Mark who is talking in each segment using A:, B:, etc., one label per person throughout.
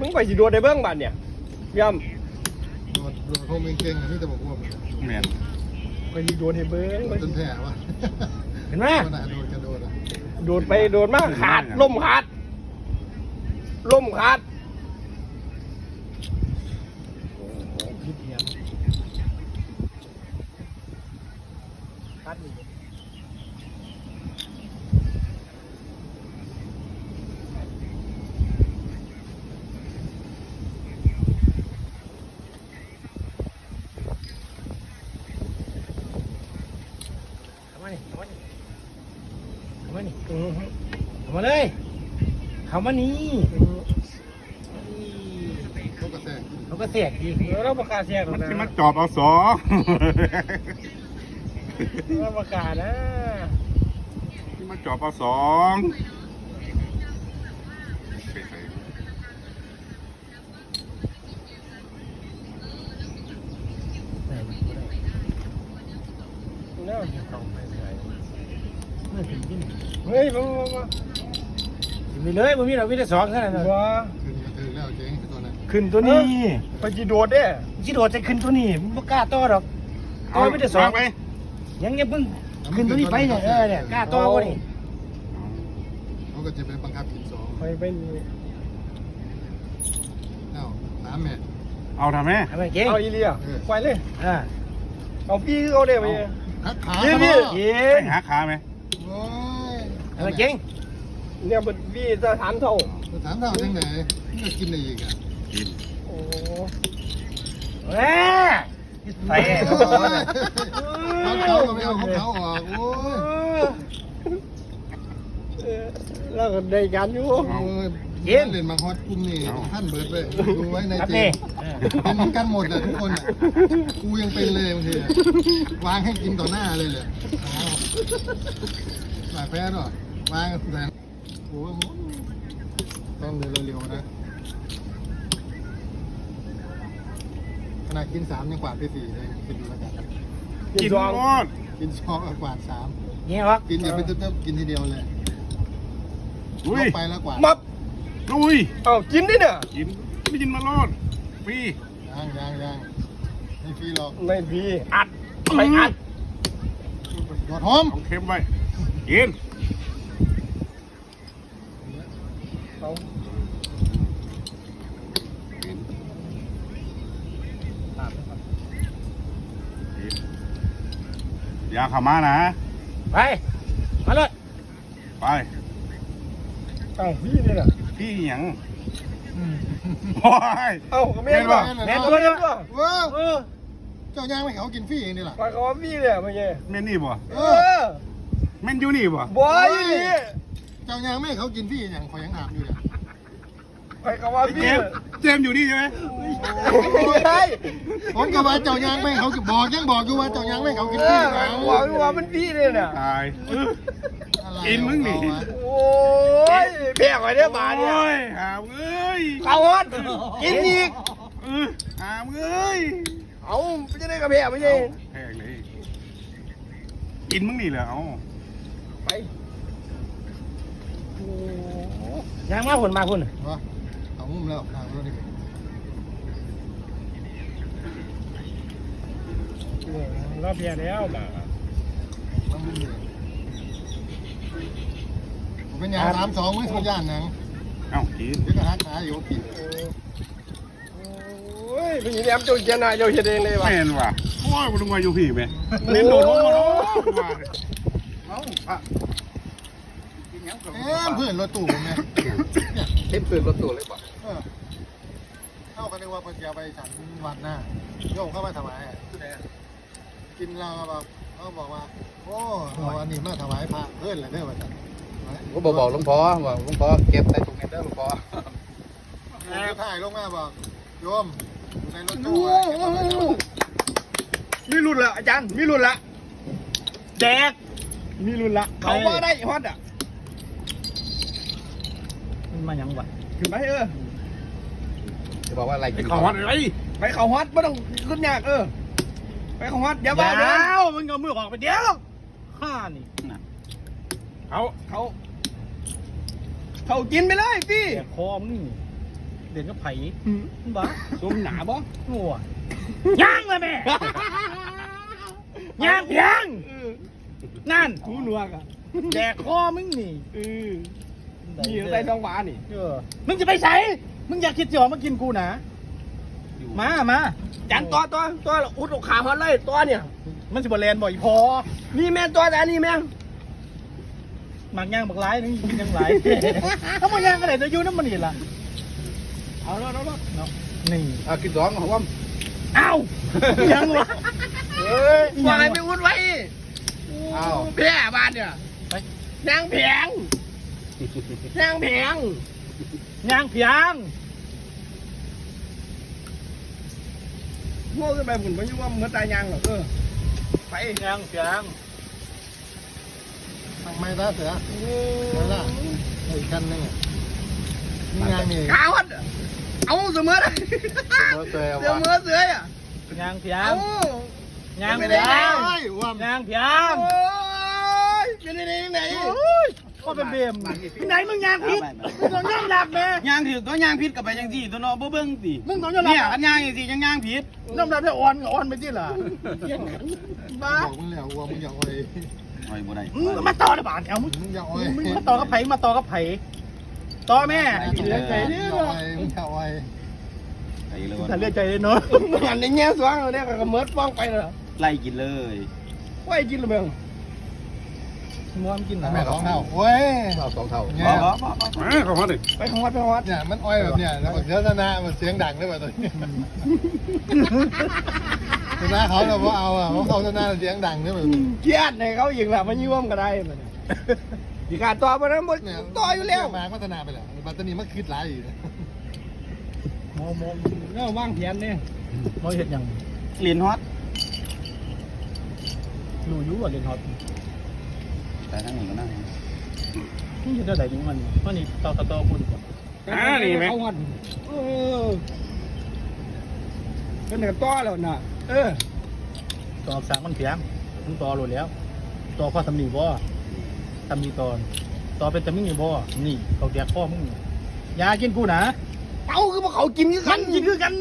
A: มึงไปสิโดดได้เบื้องบัดเนี่ยย่
B: โดดโคมเก่งๆนี่แต่บอกว่า
C: แม่น
A: ำไปสิโดดให้เบื้อง
B: จนแผลวะ
D: เห็นไหม
B: ขนาดโดดกระโดดอ่ะ
A: โดดไปโดดมาขาดล่มขาดล่มขาด
D: พิษเดียว
A: ขาดนี่
D: เข้ามานี่เข้ามานี่เข้ามานี่เข้ามาเลยเข้ามานี่
B: เขากระแทก
D: เขาก็แตกดี
A: เราประกาศแทรก
C: มัน
A: นะ
C: สิมาจอบเอาสอ
A: เราประกาศนะ
C: ที่มาจอบเอาสองไปใส่
A: เนี่ย
D: ต้องไปเลยเมื่อถึงที่ไหน
A: เฮ้ยมา
D: มีเลยมันมีเรามีแต่สองแค่นั้น
A: ว้า
B: ขึ้นมาถึงแล้วเจ๊งตัวนั้น
D: ขึ้นตัวนี้
A: ไปสิโดดเด้
D: จิโดดจะขึ้นตัวนี้มันไม่กล้าต่อหรอกต่อไม่ได้สอง
C: ไป
D: ยังเพิ่งขึ้นตัวนี้ไปเนี่ยเนี่ยกล้าต่อวะนี่
B: เขาก็จะไปบังคับกินสอง
A: ไปนี่
B: เอ้าน้ำแม่
C: เอาทำไหม
D: ทำไมเก่ง
A: เอาอีเลียไปเลย
D: อ่า
A: เอาพี่เอาเด้ไป
B: หักขา
A: พี่
B: เขา
A: พี่
B: เนาะ
D: เก่
C: ไป
D: ง
C: หาขาไหม
B: โอ้ย
D: ทำไมเก่ง
A: เนี่ยเป็นพี่สถานเท่า
B: ถามเท่าจังไหนจะกินอะไรอีกอ่ะ
C: กิน
A: โอ้
D: แหม่ใส่
B: เขาก็ไม่เอาของเขาออกโอ้ย
A: แล้วก็ได้กันอยู่
B: เล่นมาฮอตกุ้มนี่ท่านเบิร์ดเลยดูไว้ใน
D: ครับ
B: เจ
D: นี่
B: เป็นเหมือนกันหมดเลยทุกคนอ่ะกูยังเป็นเลยบางทีวางให้กินต่อหน้าเลยเลยหลายแพ้ด้วยวางแต่โอ้โหต้องเดินเร็วๆนะขนาดกิน3ยังกวาดไป4เลยคิดดูแล้วกัน
C: กิน
A: ซอง
C: หมด
B: กิน2กวาด
D: เงี้ยวะ
B: 3กินอย่าไปเติมกินทีเดียวเลย
C: อุ้ย
B: ไปแล้วกวาด
A: มับ
C: อุ้ย
A: เอากินดิเนี่ย
C: กินไม่กินมาโลดฟรี
B: ยังไม่ฟรีหรอก
A: ไม่พี่อัดไปอัด
B: หยอดหอม
C: เอาเค็มไว้กิน
A: เอา
C: กินอย่าเข้ามานะ
D: ไปมาเลย
C: ไป
A: เอาพี่นี่น่ะ
C: พี่หยังโอ้ย
A: เอาก็แม่นว่ะ
D: แม่ตัวเดียว
A: ว่ะ
B: ว้า
D: เออ
B: เจ้าย่างไม่เขากินฟรีเองนี่แหละ
A: ไปเขาว่าพี่เนี่ยไม่ใช่
C: แม่นนี่บ่
A: เออ
C: แม่นอยู่นี่บ่
A: บอยนี่
B: เจ้าย่างไม่เขากินฟรีอย่างขอยังถามอยู่เนี่ย
A: ไปเขาว่า
C: เจ
A: พี่
C: มส์เจมส์อยู่นี่ใช่ไหม
A: ไม่ใช่
B: ผมก็ว่าเจ้าย่างไม่เขาบอกยังบอกอยู่ว่าเจ้าย่างไม่เขากิน
A: เอ
B: ฟรี
A: อ
B: นะ
A: บอกว่ามันพี่เนี่ยน่ะ
C: ตาย
B: อะไร
C: กินมึงนี่
A: โอ้ยแพงไว้เนี่ยบาทเนี่ย
C: โอ้ยหามเอ้ย
A: เขาฮอดกินอีก
C: หามเอ้ย
A: เอาไม่จะได้กระเพาะไม่ใช่
C: แพงเลย กินมึงนี่แหละเอา
A: ไปโอ้
D: ยังมาพุ่นมาพุ่น
B: วะเอามุมแล้วทางรถนี่
A: รอบเพียแล้วมา
B: มันมุมนี่ผมเป็นอย่าง3-2ไม่ทุกย่านนัง
C: เอากิน
B: เดี๋ยวก็หักขาอยู่กิน
A: โอ้ยพี่แหลมจุนเจนาเจ้าเฮ็ดเองเลยว่ะ
C: แม่นว่ะโอ้ยมึงมาอยู่พี่ไหมเล่นโดดลงมาเนาะเอาอะกินหยังก่อน
B: เพื่อนรถตู้ผมเนี่ย
A: เต็มตื่นรถตู้เลยป่ะ
B: เข้ากันนึกว่าเพิ่นจะเอาไปฉันวัดหน้าโยกเข้ามาถวายอะกินเราแบบเขาบอกว่าโอ้เอาอันนี้มาถวายพระเพื่อนเลยเด้อว่าจัน
E: ก็บอกหลวงพ่อว่าหลวงพ่อเก็บใส่ถุงเงินเด้อหลวงพ่อ
B: แล้วถ่ายลงมาบอกโยมอยู่ในรถตู้อะเก็บเอาไว้เถอะ
A: มีรุ่นละอาจารย์มีรุ่นละแจกมีรุ่นละเขาว่าได้ฮอตอ่ะ
D: มันมายังวะ
A: ขึ้นไป
E: จะบอกว่าอะไร
C: ไอ้
E: กิน
C: ขอวัดอะไร
A: ไปเขาฮอตไม่ต้องขึ้นยากไปเขาฮอตเดี๋ยวบ้า
D: เดี๋ยวมึงเอามือออกไปเดี๋ยวข้านี่
C: เขา
A: เขากินไปเลยพี่
D: แตกคอมึงนี่เด่นก็ไผ่บ้า
A: สมหนาบ่
D: งัวย่างเลยแม่ย่างเพียงนั่น
A: หูหนวกอ่ะ
D: แดกคอมึงนี่
A: นี่ใส่ท้องฟ้านี่
D: มึงจะไปใส่มึงอยากคิดจะออกมากินกูนะมา
A: จันตัวอุดอกขาฮอตเลยตัวเนี่ย
D: มันสิบแลนบ่อยพอ
A: นี่แม่ตัวแต่นี่แม่
D: หมักย่างบักร้ายนึงกินยังไรถ้ามันย่างก็ได้จะอยู่น้ำมันนี่ล่ะ
A: เอาแล้ว
D: เนาะนี่
E: กินสองของว่า
D: เอ้ายังวะ
A: เฮ้ยวายไปอุดไว้
E: อ้าว
A: แพ้บ้านเนี่ย
D: ไป
A: นางแผง
D: ย่างเพียง
A: โง่ขึ้นไปหมุนมันยุ่งว่าเหมือนตายยางหรอกไป
D: ย่างเพียง
B: ทำไมล่ะเสือไม่ล่ะอีกคันนึงนี่งานนี่
A: ขาวัดเอาเสมอเลย
E: เสือ
A: เสมอเสืออ่ะ
D: ย่างเพีย
A: เอา
D: งย่าง
A: ไม่
D: เพี
A: ได้
D: ยง
B: ว่า
D: ย่างเพียง
A: โอ้ยเป็นไหน
D: ก็เป็นเบมไหนมึงย่างพิษมึงต้องย่างหลักแม่
C: ย่างถือตัวยางพิษกับไปจังสี่ตัวเนาะบ่เบิ่งสิ
D: มึงต้องย่างหลั
C: เนี่ย
D: ก
C: อันย่างจังสี่ย่างพิษ
D: น้ำหนักจะอ่อนไปที่ล่ะ
A: บ้า
B: บอกมึงแล้วว่ามึงอย่าอ้อย
C: โอ้ยบ่ได้
D: มาต่อได้บ้านเอามึง
B: มึงอย่าอ้อย
D: มาต่อกับไผ่ต่อแม่
A: กินเลือดใจเนี่ย
B: มึงอย่าอ้อย
C: ไปเลย
D: ถ้าเลือดใจเลยเนาะ
A: หันในแง่สว่างเราเนี่ยก็เมิดฟ้องไปเลย
C: ไล่กินเลย
A: ว่ากินหรือเปล่า
D: มัวมันกินหรอ
B: แม่ของเท่าโอ้ย
E: เอาสองเท่า
B: เนี่ย
C: เขาฮอดดิ
A: ไปของวัด
B: เนี่ยมันอ้อยแบบเนี่ยแล้วเสือชนะมันเสียงดังด้วยแบบตัวนี้ชนะเขาเราเอาอ่ะเพราะเขาชนะเสียงดังด้วยแบบ
A: เกียดในเขาอีกแหละมันยุ่มก็ได้มันดีการต่อไปนั้นหมด
B: เนี่ย
A: ต่ออยู่แล้ว
B: มาพัฒนาไปแล้วบัตรนี้มันคิดหลายอยู่
D: มอง
A: แล้วว่างเพียนเนี่ย
D: มองเห็นยัง
C: เรียนฮอต
D: รู้อยู่ว่าเรียนฮอต
C: แต่ทั้งนี้ก็นั่ง
D: นี่จะได้ไหนมันนี่ต่อคุณ
C: นี่ไหม
A: เขาวัดเป็นแต่ต่อแล้วน่ะ
D: ต่อสามมันเพียงมึงต่อรู้แล้วต่อข้อสำนีบ่ทำมีตอนต่อเป็นตำมีบ่นี่เขาแดกข้อมึงอย่ากินกูนะ
A: เอาคือพวกเขากินกัน
D: กินคือกัน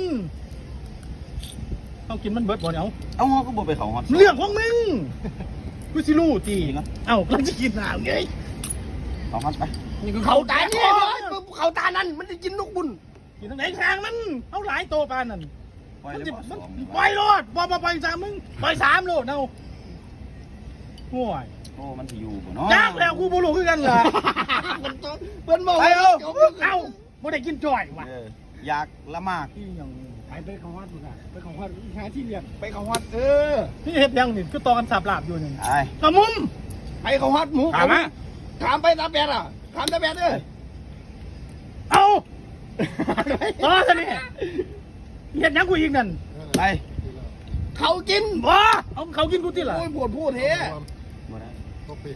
D: ต้องกินมันเบิดบ่เนี่ย
C: เอาฮอก็บ่ไปเขาฮอต
D: เรื่องของมึงกูสิรู้ตีเอ้าก็จะกินหนาวไง
C: เขาฮอตไป
A: นี่คือเขาตาเนี่ยเขาตานั้นมันจะกินลูกบุญ
D: กินทางไหนทางมันเอาหลายโตปานนั่น
C: ปล่อย
D: มัน
C: เลย
D: จะ
C: บ่สอง
D: ปล่อยโลดบ่ปล่อยสามมึงปล่อย3โลดเอาห่วย
C: โอ้มันสิอยู่บ่เนาะ
D: จ้างแล้วกูบ่รู้คือกันล่ะ
A: เพิ่นบอก
D: ไปเอาเอาบ่ได้กินจ่อยว่ะ
C: อยากละมาก
D: ที่ยัง
A: ไปเขาวัดมึงอ่ะไปเขาวัดหาที่เรียนไปเขาวัด
D: นี่เฮ็ดยังนี่คือต่อกันสาบลาบอยู่นี่
C: ไอ้
D: กระมุม
A: ไปเขาวัดหมู
C: ถามมา
A: ถามไปตาแปดอ่ะถามตาแปด
D: เอาต่อซะนี่เฮ็ดยังกูอีกนั่น
C: ไป
A: เขากิน
D: บ่เอาเขากินกูติล่ะ
A: โอ้ยปวดพูดเฮ้
C: บ่ได้
B: ก็ปิด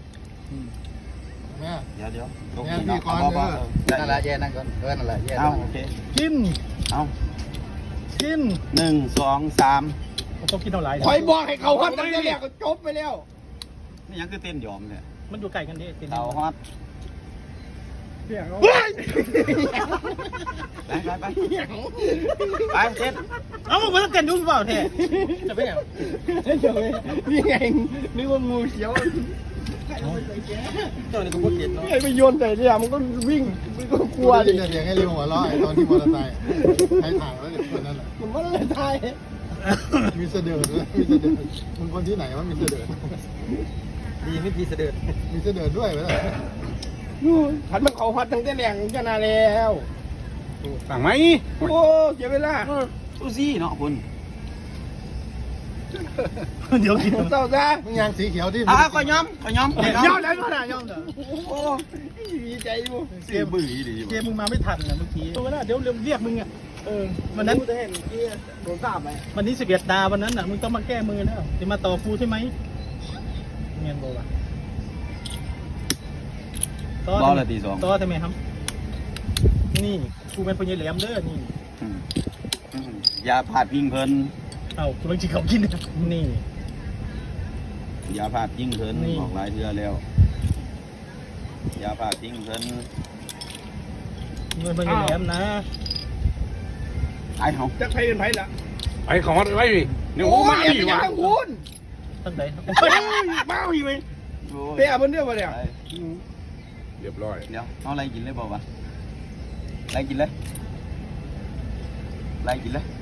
B: แม่
C: เดี๋ยว
B: แม่พี่ก่อน
E: นั่นแหละแย่นั่นก่อนนั่นแหละแย่
C: เอาโอเค
D: กิน
C: เอา
D: กิน
C: 1 2 3
D: ต้องกินเท่าไหร่
A: คอยบอกให้เขาวัดตั้งแต่แรกก็จบไปแล้ว
C: นี่ยังคือเต้นยอมเนี่ย
D: มันอยู่ใกล้กันดิ
C: เขาฮอต
A: เฮ้ย
C: ไปไปเต้น
D: เอามึงมาเต้นดูเปล่าแท้จะไปไหน
A: เดี๋ยวนี่ไงนึกว่างูเขียว
D: เจ้านี่ก็บ่เก็ตเนาะ
A: ไอ้ไปโยนใส่เนี่ยมันก็วิ่งมันก็กลัว
B: ดิ
A: ดิ
B: จะเสียงให้เร็วหัวเราะตอนที่มอเตอร์ไซค์ใช้ถ่ายแล้วเด็กคนนั้นแหละ
A: มันไม่ได้ตาย
B: มีเสด็จด้วยมีเสด็จมึงคนที่ไหนวะมีเสด็จ
D: ดีไม่ดีเสด็จ
B: มีเสด็จด้วยไหมล่ะ
A: ขันมันเขาฮัดตั้งแต่แรงจะนานแล้ว
C: สั่งไหม
A: โอ้เสียเวลา
C: ดูสิเนาะคุณ
D: เดี๋ยวกิน
A: เศร้าซะ
B: มึงยางสีเขียวที่
C: ก็ย้อม
D: ย่อมแล้วก็ได้ย่อมเถอะ
A: โอ้ดีใจอยู่
C: เสียบื้อดี
D: เจมึงมาไม่ทันนะเมื่อกี้ตัวนั้นเดี๋ยวเรียกมึงอ่ะ
A: วันนั้นกูจะเห็นที่โดนสาบไหม
D: วันนี้11 ดาวันนั้นน่ะมึงต้องมาแก้มือแล้วจะมาต่อกูใช่ไหมเงียนบอกว่า
C: บอลละตี 2
D: ต่อทำไมครับ นี่กูเป็นพญาแหลมเด้อนี่
C: อย่าพลาดพิงเพิ่น
D: เอ้ากูต้องจิเขากินนี่
C: อย่าพลาดพิงเพิ่น
D: นี่
C: ออกหลายเทื่อแล้วอย่าพลาดพิงเพิ่น
D: เงินมันอยู่แหลมนะ
E: ไอ้เขา
A: จักไผเป็นไผละ
C: ไอ้ของไว้ดิเนี่ยโอ้มา
A: เรีย
C: ดิ
A: นยั
C: วะ
A: งคุณ
D: ตั้งแต่
A: มาอีกไหมเปียบนเดียวมาเนี่ย
C: เรียบร้อย
E: เดี๋ยวเอาอะไรกินเลยบอกว่าอะไรกินเลยอะไรกินเลย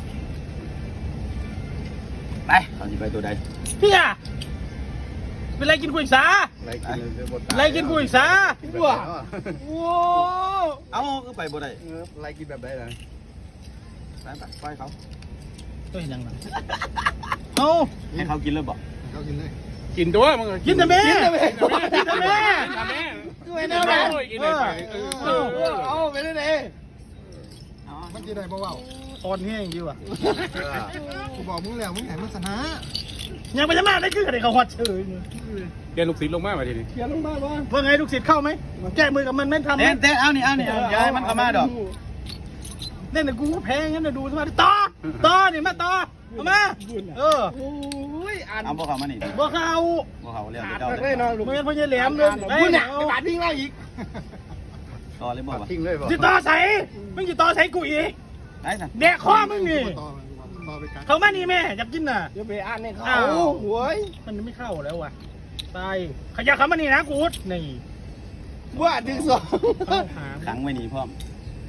E: ไปเอาสิไปตัวใด
D: พี่อะเป็นไรกินกุยสา
E: อะไรกินเลย
D: ไรกินกุยสา
A: ว้าโอ้
E: เอาก็ไปบ่ได้อะไรกินแบบไหนล่ะไปไปเขา
D: ก็เห็นยังไงเอา
E: ให้เขากินเลยบอก
B: เขากินเลย
C: กินตัวมึง
D: กินแต่แม่
A: กินแต่แม่
D: กินแต่แม่
A: ไม่แน่แม่
C: กินเลยไป
A: เอาไปได้เลย
B: มันจะได้บ่เว้า
D: ตอนนี้อย่างดีว่ะ
B: กูบอกมึงแล้วมึงไหนมันชนะ
D: ยังไปจะมาได้คืออะไรเขาฮอตเฉย
C: เรียนลูกศิษย์ลงมาทีนี้
A: เขียนลงมาว่า
D: ว่าไงลูกศิษย์เข้าไหมแก้มือกับมันไม่ทำ
E: เต้นเต้นเอานี่ย้ายมันเข้ามาดอก
D: เล่นแต่กูแพ้งั้นนะดูสมาต่อนี่มาต่อเอามาเออ
A: โอ้ยอ่าน
E: เอาพวกเขามานี่
D: บ่เข้า
E: พวกเขาเรียก
A: ขาด
E: เจ้า
A: เลยเนาะลูก
D: เมื่อพ่อใหญ่แหลมเลย
A: คุณเนี่ยไปบาดพิงเราอีก
E: ต่อเลยบอกว่า
B: ทิ้งเลยบอก
D: จิต่อใส่มึงจิต่อใส่กูอีก
E: ได้สั่ง
D: แดกคอมึงนี่
B: ต่อไปกัน
D: เขามานี่แม่อยากกินน่ะ
A: เดี๋ยวไปอ่านในเขาโว้ย
D: มันไม่เข้าแล้วว่ะตายขยับเขามานี่นะกูดนี่
A: ว่าดึงสอง
D: เข้าหา
E: ขังไว้นี่พร้อม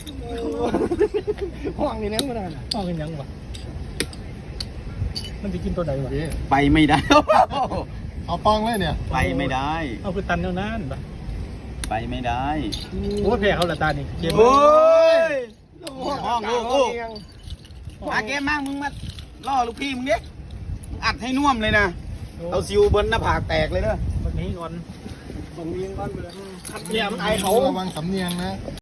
A: ห้องนี่นั่งมาได้
D: ห้องกันยังวะมันจะกินตัวใดวะ
E: ไปไม่ได้
B: เอาปองเลยเนี่ย
E: ไปไม่ได้
D: เอาคือตันแนวนั้นปะ
E: ไปไม่ได้
D: โอ้แพ้เขาละตานี่เจ็บ
E: โอ้ย
A: ห้องลูก
E: อาเกมมากมึงมาล่อลูกพี่มึงดิอัดให้น่วมเลยนะเอาซิวบนหน้าผากแตกเลยเด้อ
D: วันนี้ก่อน
A: ตรงนี้ก้อนไปเลยขัดเยียมไอเขา
B: ระวังสำเนียงนะ